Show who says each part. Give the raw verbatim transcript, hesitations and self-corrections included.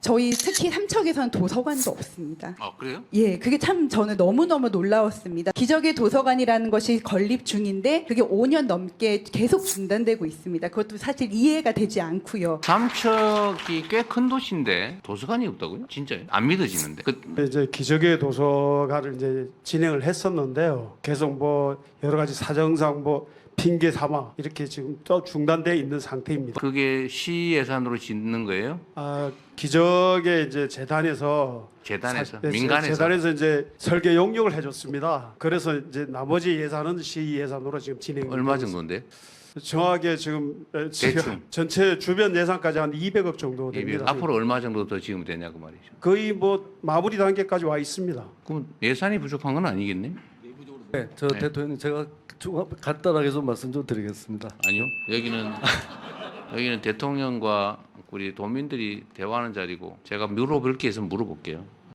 Speaker 1: 저희 특히 삼척에서는 도서관도 없습니다.
Speaker 2: 아 그래요?
Speaker 1: 예, 그게 참 저는 너무너무 놀라웠습니다. 기적의 도서관이라는 것이 건립 중인데 그게 오 년 넘게 계속 중단되고 있습니다. 그것도 사실 이해가 되지 않고요.
Speaker 2: 삼척이 꽤 큰 도시인데 도서관이 없다고요? 진짜요? 안 믿어지는데. 그,
Speaker 3: 이제 기적의 도서관을 이제 진행을 했었는데요. 계속 뭐 여러 가지 사정상 뭐 핑계 삼아 이렇게 지금 또 중단돼 있는 상태입니다.
Speaker 2: 그게 시 예산으로 짓는 거예요?
Speaker 3: 아, 기적의 이제 재단에서
Speaker 2: 재단에서?
Speaker 3: 사- 네,
Speaker 2: 민간에서?
Speaker 3: 재단에서 이제 설계 용역을 해줬습니다. 그래서 이제 나머지 예산은 시 예산으로 지금 진행.
Speaker 2: 얼마 정도인데?
Speaker 3: 정확하게 지금 에, 지금
Speaker 2: 대충.
Speaker 3: 전체 주변 예산까지 한 이백억 정도
Speaker 2: 이백.
Speaker 3: 됩니다.
Speaker 2: 앞으로 얼마 정도 더 지으면 되냐고 말이죠.
Speaker 3: 거의 뭐 마무리 단계까지 와 있습니다.
Speaker 2: 그럼 예산이 부족한 건 아니겠네?
Speaker 4: 네, 저
Speaker 2: 네.
Speaker 4: 대통령님 제가 좀 간단하게 좀 말씀 좀 드리겠습니다.
Speaker 2: 아니요. 여기는 여기는 대통령과 우리 도민들이 대화하는 자리고 제가 물어볼 게 있으면 물어볼게요.